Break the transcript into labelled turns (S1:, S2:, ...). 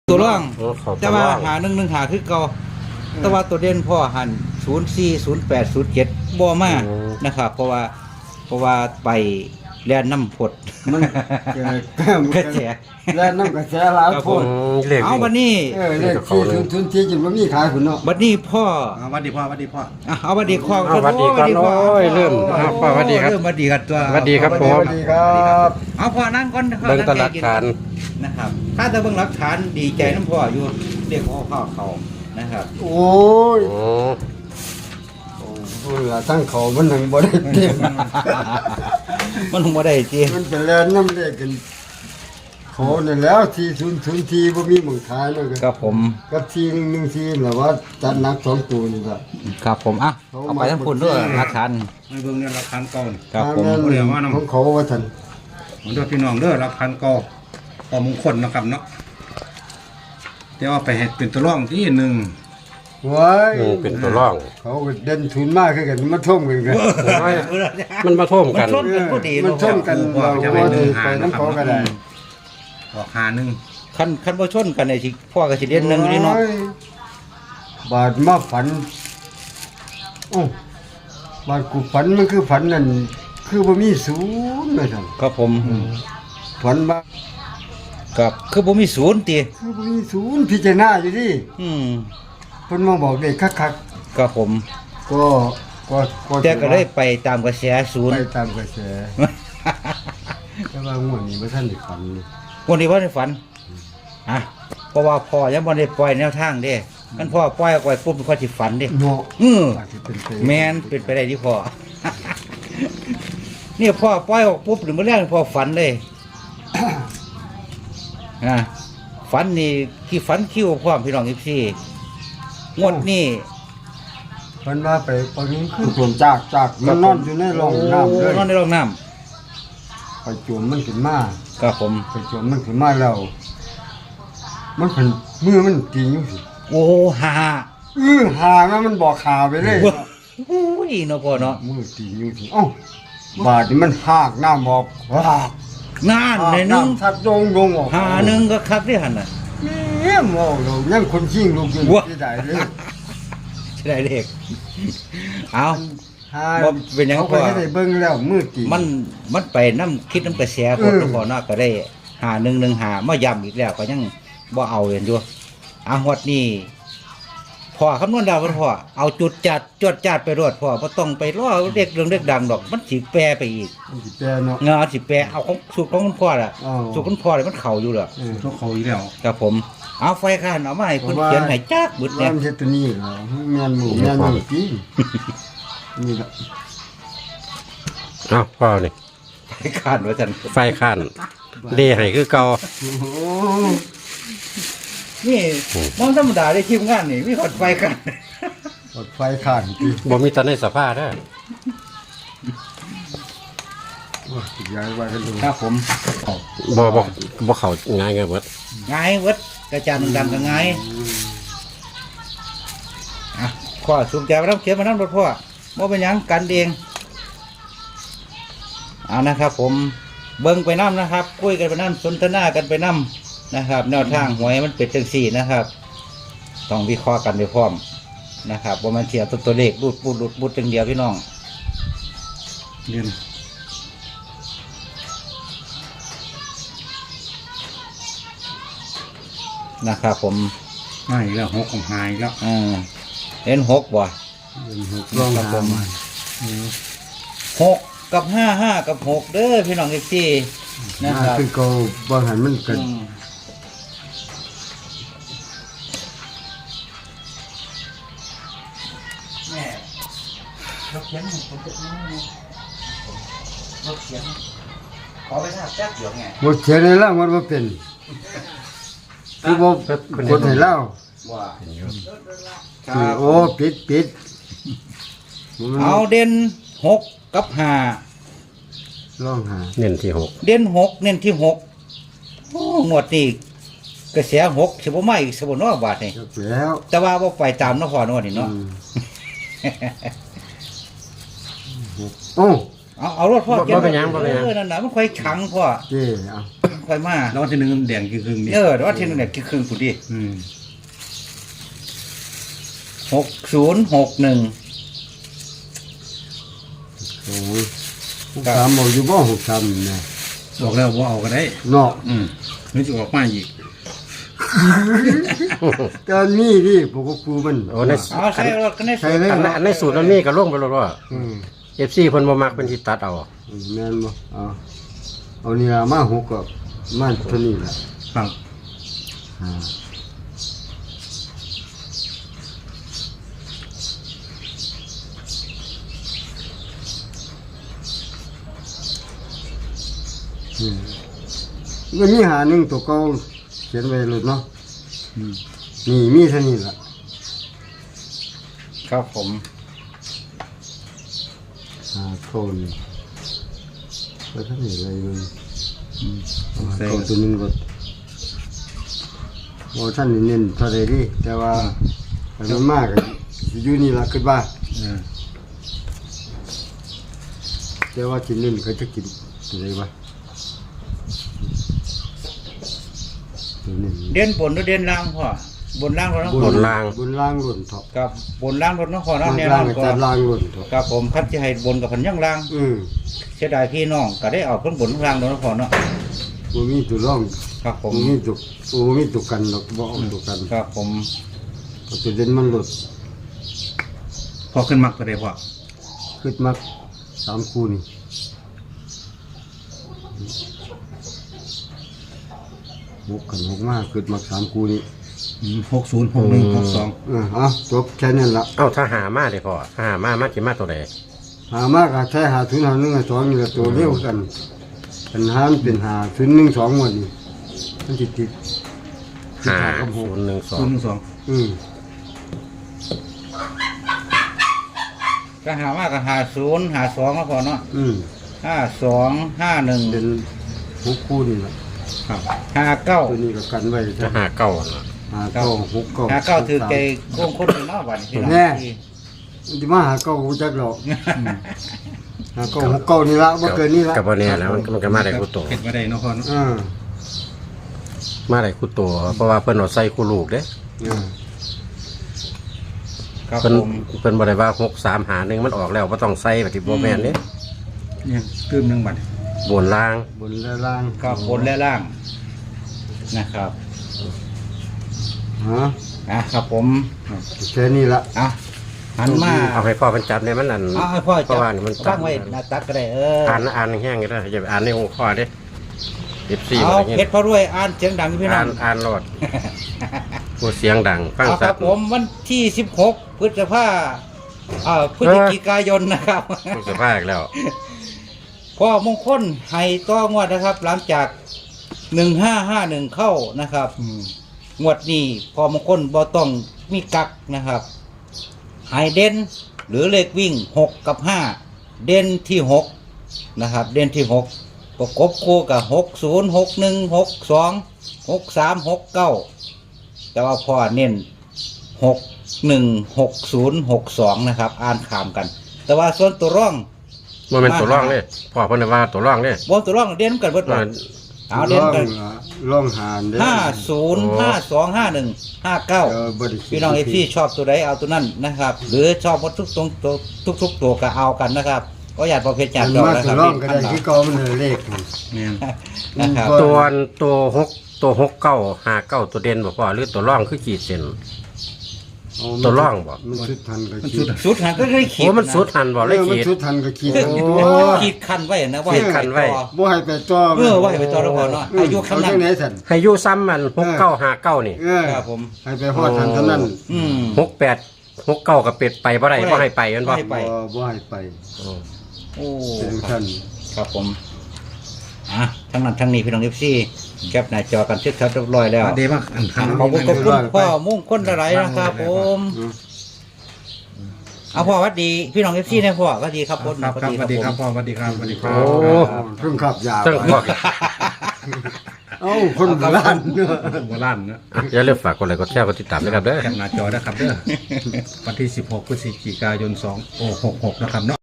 S1: ตัวร่อง
S2: เขา
S1: แต่ว่าหา1 1 หาคือเก่าแต่ว่าตัวเด่นพ่อหัน04 08 07บ่มานะครับเพราะว่าไปแล่นน้ำพด
S3: มันเกิด
S1: กระแส
S3: แล้วน้ำกระแสหลายโพด
S2: เลข
S1: เอาบัดนี้
S3: เลขที่ทุนที่จนบ่มีขายพุ่นเนาะ
S1: บัดนี้พ่อ
S4: วัดดีพ่อวัดดีพ่อ
S1: เอาบัดนี้ข้อ
S2: สวัสดีครับโอ้ยเริ่มครับสวัสดีครับ
S1: เริ่มบัดดีกันตัว
S2: สวัสดีครับผม
S3: สวัสดีครับ
S1: เอาพ่อนั่งก่อน
S2: เบิ่งแตหลักฐาน
S1: นะครับถ้าจะเบิ่งหลักฐานดีใจน้ำพ่ออยู่เรียกพ่อเขานะครับ
S3: โอ้ย
S2: โอ้
S3: โอ้ยล่ะตั้งเขามันนึงบ่ได้เต็ม
S1: มันคงบ่ได้จริง
S3: มันเป็นแลนน้ำเลขกันเขานั่นแล้วที่ที่บ่มีหมึงขายเนาะ
S1: ครับผม
S3: กับที่114แหละว่าจัดหนัก2ตัวนี่ครับ
S1: ครับผมอ่ะเอาไปทั้งคุณด้วยหลักฐาน
S4: ไม่เบิ่งเนี่ยรักพันเก่านี่
S1: ครับผม
S3: ถ้าแนของเขาว่าท่าน
S4: ผมด้วยพี่น้องเด้อรักพันเก่าต่อมงคลนะครับเนาะเดี๋ยวเอาไปให้เป็นตัวร่องที่หนึ่ง
S3: ว้าย
S2: เป็นตัวร่อง
S3: เขาก็เด่นทุนมากคือกันมาท่วมกันกัน
S2: มันมาท่วมกัน
S1: มันพอดี
S3: มันท่วมกันเราว่าสิไปน้ำเขาก็ได้
S4: ออกหาหนึ่ง
S1: คันบ่ชนกันไอ้สิพ่อก็สิเด่นหนึงอยู่นี่เนาะ
S3: โอ้ยบาดมาฝันโอ้บาดกูฝันมันคือฝันนั่นคือบ่มีศูนย์เลยท่าน
S1: ครับผม
S3: ฝันว่า
S1: กับคือบ่มีศูนย์ติ
S3: คือบ่มีศูนย์พิจารณาอยู่ดิ
S1: อืม
S3: เพิ่นมาบอกเด็กคัก
S1: ครับผม
S3: ๆก็
S1: แต่ก็ได้ไปตามกระแสศูน
S3: ไป
S1: ย์
S3: ตามกระแสแต่ว่างวดนี้บ่ทันได้ฝันเลย
S1: วันนี้ว่าในฝันอ่ะเพราะว่าพ่อยังบ่ได้ปล่อยแนวทางเด้คันพ่อปล่อยออกไปปุ๊บมันก็สิฝันเด้
S3: เนาะ อาจสิเป็นไป
S1: แม่นเป็นไปได้ที่พ่อ เนี่ยพ่อปล่อยออกปุ๊บหรือมื้อแรกพ่อฝันเลย อ่ะฝันนี่ที่ฝันคิวพร้อมพี่น้อง14งวดนี้
S3: เพิ่นว่าไปปนี้คือผมจากมันนอนอยู่ในร่องน้ำเลย
S1: นอนในร่องน้ำ
S3: ไปโจมมันขึ้นมา
S1: ครับผม
S3: ไปโจมมันขึ้นมาแล้ว มันเป็นมือมันตีอยู่สิ
S1: โอ้หา
S3: หานะมันบอกข่าวไปเลย
S1: โอ้ยเนาะพ่อเนาะ
S3: มือตีอยู่สิเอ้าบาดนี่มันหากน้ำบอกหาก
S1: งานในหนึง
S3: น้ำทัดโดงออก
S1: หาหนึงก็คักที่หั่นน่ะ
S3: เนี่ยมองเรายังคนชิงลูกอยู่
S1: ว้า
S3: ที่ใดเลย
S1: ใช่ได้เด็กเอา
S3: หา
S1: บ่เป็นหยัง
S3: เขา
S1: พ่
S3: ไป
S1: อ
S3: ให้ได้เบิ่งแล้วมือตี
S1: มันไปน้ำคิดน้ำกระแสคนทุกคนเนาะก็ได้หา1 1 หามาย้ำอีกแล้วก็ยังบ่เอาเห็นอยู่อ่ะงวดนี้พ่อคำนวณดาวพ่อเอาจุดจัดจวดจัดไปรวดพ่อบ่ต้องไปรอเด็กเรื่องเด็กดังดอก มันสิแปรไปอีก
S3: มันสิแปลเนาะ
S1: เงาสิแปรเอาของสูตรของคุณพ่อล่ะ
S3: อ๋อ
S1: สูตรคุณพ่อเลยมันเข้าอยู่แล้ว
S4: ทุกเขาอีกแล้ว
S1: ครับผมเอาไฟข้านเอามาให้คุณเขียนให้จักบึด
S3: ว่า
S1: เนี่ย
S3: มันเฮ็ดตัวนี้เหรอแม่นหมูแม่นหมูจริงนี่ละ
S2: เอ้าพ่อนี่
S1: ไฟข้านว่าจัน
S2: ไฟขั้นเลขให้คือเก่า
S3: โอ้โห
S1: นี่มองธรรมดาได้ทีมงานนี่มีหอดไฟข้าน
S3: รถไฟขาดจริง
S2: บ่มีตอนในสภาพเด้อ
S3: ว่าสิย้ายไว้กันดู
S1: ครับผม
S2: บ่เข้าง่ายเบิด
S1: ง่ายเวิดกระจานดังๆก็ง่ายอ่ะพ่อสูงใจมาน้ำเขียนมาน้ำรถพ่อบ่เป็นหยังกันเองเอานะครับ ผมเบิ่งไปน้ำนะครับคุยกันไปน้ำสนทนากันไปน้ำนะครับแนวทางหวยมันเป็นจังสี่นะครับ ต้องวิเคราะห์กันไปพร้อมนะครับว่ามันเสียตัวเลขรูดปุดจังเดียวพี่น้อง
S4: เรียน
S1: นะครับผม
S4: ไม่อีกแล้วหกของหายอีกแล้ว
S1: เห็น6บ่
S3: ลอง
S1: ครับผ
S3: หาม มา
S1: 6กับ5กับ6เด้อพี่น้องที่นะครับ
S3: คือเขาบ่หันมันกัน
S1: แม่รถเขียนผมจะรถเขียนขอไปทราบแจ๊กเดี๋ยวไง
S3: บ่เขียนให้เล่ามันบ่เป็นคือบ่กดให้เล่า
S1: ว่า
S3: คือโอ้ปิด
S1: เอาเด่น6กับ5
S3: ลองหา
S2: เน้นที่หก
S1: เด่น6เน้นที่6โอ้งวดนี้กระแส6สิบ่มาอีกสิบ่เนาะบาดนี่
S3: จบแล้ว
S1: แต่ว่าบ่ไปตามเนาะพ่อเนาะนี่เนาะ
S3: โอ้
S1: เอารถพ่อ
S2: บ่เป็นหยังบ่เป็นหยัง
S1: นั่นน่ะมันค่อยขังพ่อ
S3: เจ้เอา
S1: ค่อยมา
S4: แล้ววันที่หนึ่งแดงคือครึ่งนี่
S1: แต่ว่าที่นึงเนี่ยคือครึ่งกูดิ
S4: อืม
S1: 6061
S3: โอ้ย63บอกอยู่บ่63นะ
S4: บอกแล้วว่าเอาก็ได้
S3: เนาะ
S4: นึกจะออกมาอีก
S3: ตอนนี้ดิพวกกูมัน
S2: โอ้ใน
S1: เอาใส่รถกันได้
S3: ใช่เลย
S2: อันในสูตรมันมีก็ลงไปแล้วว่า
S3: อืม
S2: FC เพิ่นบ่มักเพิ่นสิตัดเอา
S3: แม่นบ่เอานี่ล่ะมา6ก็มาเท่านี้ล่ะ
S4: ครับ
S3: อ่าก็มีหาหนึ่งตัวเก่าเขียนไว้เลยเนาะ
S4: อืม
S3: นี่มีเท่านี้ล่ะ
S1: ครับผม
S3: โทนแล้วท่านนี่อะไรมัน
S4: ใส่
S3: โทนตัวหนึงก็โอ้ท่านนี่เน้นเท่าไรดิแต่ว่าอันนั้นมากอะอยู่นี่ล่ะขึ้นบ้า
S4: เออ
S3: แต่ว่ากินเน้นเขาจะกินอะไรวะตัวเน้น
S1: เด่นบนหรือเด่นล่างพ่อบนล่างรถน้อง
S2: บนล่าง
S3: บนล่างหล่นท็อป
S1: กับบนล่างรถน้องพ่อ
S3: ล่า
S1: เนาะ
S3: ง
S1: แน่น
S3: ล่า
S1: อง น
S3: กับ
S1: ก่อ
S3: จาน นล่างหล่นท็อป
S1: ครับผมคัดที่ให้บนกับพันย่างล่าง เสียดายพี่น้องก็ได้เอาเครื่องบนข้างล่างรถน้องพ่อเนาะ
S3: มันมีตัวร่อง
S1: ครับผม
S3: มันมีตัวมันมีตัวกันหรอกบ่เอาตัวกัน
S1: ครับผม
S3: เอาตัวเด่นมันหลด
S4: พอขึ้นมักก็ได้พอ
S3: ขึ้นมา3คู่นี่หกมากขึ้นมา3คู่นี่
S4: 606162
S3: จบแค่นั้นละ
S2: เอ้าถ้าหามาได้พอถ้าหามามาสิมาตัวใด
S3: หามากอะใช้หาทุนหา1 2นี่ละตัวเร็วกันปัญหามันเป็นหาทุน1 2หมดนี่มันติด
S2: 5012
S4: 012
S3: อืม
S1: ก็หามากก็50 52แล้วพอเนาะ
S3: อืม
S1: 52 51
S3: เป็น6คู่นี่ละ
S4: ครับ
S3: ตัว
S1: 59
S3: นี้ก็กันไว้
S2: จะ
S3: ใช่
S2: หาเก้าน่ะ
S3: 5 9 6 9
S1: 59ถือใจโกงคนเนาะบัดนี้พี่น้อง
S3: มันจะมาหาเก้ากูจักหรอกหาเก้าหกเก้านี่ละบ่เกินนี่ละ
S2: ก็บ่แน่แล้วมันก็มาได้คู่โต
S4: เก็บไว้ได้เนาะพ่อเนาะ
S2: มาได้คู่โตเพราะว่าเพิ่นเอาใส่คู่ลูกเด้
S1: ครับ
S2: เพิ่น
S1: ผม
S2: เพิ่นบ่ได้ว่า6 3หา1มันออกแล้วบ่ต้องใส่แบบที่บ่แม่นเด้
S4: เนี่ยตื้มหนึงบัด
S2: บนล่าง
S3: บนและล่าง
S1: ครับบนและล่างนะครับ
S3: ฮะ
S1: ครับผม
S3: แค่นี้ละ
S1: หันมา
S2: เอาให้พ่อเพิ่นจับเนี่ยมันนั่น
S1: เอาให้พ่อ
S2: เพราะว่านี่มัน
S1: ตั้งไว้หน้าตักก็ได้
S2: อ่านแห้งๆก็ได้อย่าไปอ่านในหัวข้อเด้14
S1: เอา
S2: อะไร
S1: เพ
S2: เงี้
S1: ชรพระรวยอ่านเสียงดังพี่น้อง
S2: อ่านรอดพูดเสียงดังฟัง
S1: เอาค
S2: ชั
S1: รั
S2: ด
S1: บผมวันที่16พฤษภาพฤศจิกายนนะครับ
S2: พูดสภาพอีกแล้ว
S1: พ่อมงคลให้ต่องวดนะครับ หลังจาก1551เข้านะครับงวดนี้พ่อมงคลบ่ต้องมีกักนะครับให้เด่นหรือเลขวิ่ง6กับ5เด่นที่6นะครับเด่นที่6ประกบคู่กับ60 61 62 63 69แต่ว่าพ่อเน้น616062นะครับอ่านขามกัน แต่ว่าส่วนตัวร่อง
S2: มันเป็นตัวร่องเลยพ่อเพิ่นว่าตัวร่องเลย
S1: บนตัวร่องเด่นกันเบิดบ่เอาเด่นกัน
S3: ล่องหานเด้
S1: 50 52 51
S3: บ่ได้
S1: 59พี่น้องที่ชอบตัวใดเอาตัวนั้นนะครับ หรือชอบหมดทุกตัวก็เอากันนะครับก็อยากประเภทจานดอก
S3: มา
S1: นะค
S3: ตั
S1: รั
S3: ว
S1: บ
S3: ร่องก็ได้ที่เก่ามันเลข
S4: เนี่ย
S1: นะครับ
S2: ตัว69ตัวเด่นบ่พ่อหรือตัวร่องคือขีดเส้น ตัวร่องบ่
S3: มันสุดทันก็
S4: มัน
S3: ขี
S4: สุ
S3: ด
S4: ดอะ
S1: สุดหันก็ได้ขี
S2: โอ้
S1: ด
S2: มันสุดหันบ่เลย
S3: มัน
S2: ขีด
S3: สุดทันก็ขีด
S1: ขีดคันไว้นะว่า
S2: ขีดคันไว้
S3: บ่ให้ไปจ่อ
S1: ว่าให้ไปต่อแล้วพอเนาะอายุ
S3: เขา
S1: คำนั้
S3: จั
S1: น
S3: งไหนสั่น
S2: ให้อยู่ซ้ำมัน6959นี่
S1: ครับผม
S3: ให้ไปฮอดทันเท่านั้น
S2: 68 69ก็เป็ดไปบ่ได้บ่ให้ไปแม่นบ่
S1: บ่ให้ไป
S3: บ่ให้ไป
S2: อืม
S1: โอ้
S3: เป็นท่าน
S1: ครับผมทั้งนั้นทั้งนี้พี่น้องFCแคปหน้าจอกันเสร็จเรียบร้อยแล้ว
S4: เดมากอันทัน
S1: ขอบคุณพ่อมุ่งคนหลายๆนะครับผมเอาพ่อหวัดดีพี่น้องFCนะพ่อหวัดดีครับ
S4: ครับสวัสดีครับพ่อสวัสดีครับสวัสดีครั
S2: โอ้
S4: บ
S3: เพิ่งขับยา
S2: จังพ่อ
S3: เอ้าคนโบราณ
S4: โบราณนะ
S2: อย่าลืมฝากกดไลค์กดแชร์กดติดตามด้วยครับเด้อ
S4: แคปหน้าจอนะครับเด้อวันที่16พฤศจิกายน2566นะครับเนาะ